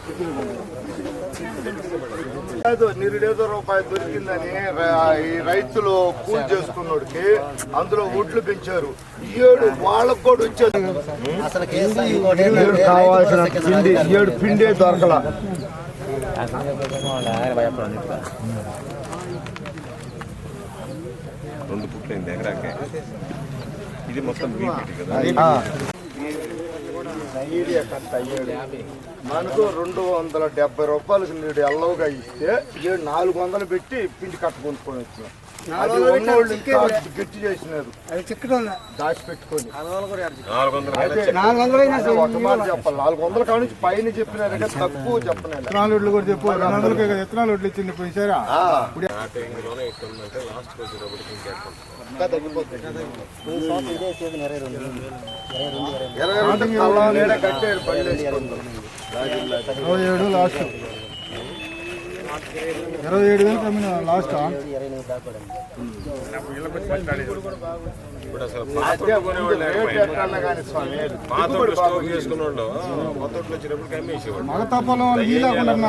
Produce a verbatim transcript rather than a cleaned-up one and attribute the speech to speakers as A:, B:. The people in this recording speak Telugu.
A: నిరుడేదో రూపాయి దొరికిందని ఈ రైతులు కూలి చేసుకున్నోడికి అందులో ఒడ్లు పెంచారు. ఏడు వాళ్ళకు కూడా వచ్చేది కావాల్సిన పిండి ఏడు పిండే దొరకల.
B: రెండు పుట్లైంది ఎకరాకే. ఇది మొత్తం కదా.
A: మనకు రెండు వందల డెబ్బై రూపాయలకు నీడు ఎల్లవుగా ఇస్తే ఏడు నాలుగు వందలు పెట్టి పిండి కట్ట కొనుక్కొని వచ్చినాం. గట్టి చేసినారు దాచి పెట్టుకొని ఒక మాట చెప్పాలి. నాలుగు వందల కాడ నుంచి పైన చెప్పినారు కదా, తక్కువ చెప్పలేదు.
C: ఎత్తనాలు కూడా చెప్పు. రెండు వందలకి ఎత్తనాలు వడ్లు ఇచ్చింది పోయిసారా ఇరవై ఏడు లాస్ట్ ఇరవై ఏడు వేలు కమ్మిన లాస్ట్
B: చేసుకున్న వాళ్ళు
C: మగ తప్పలో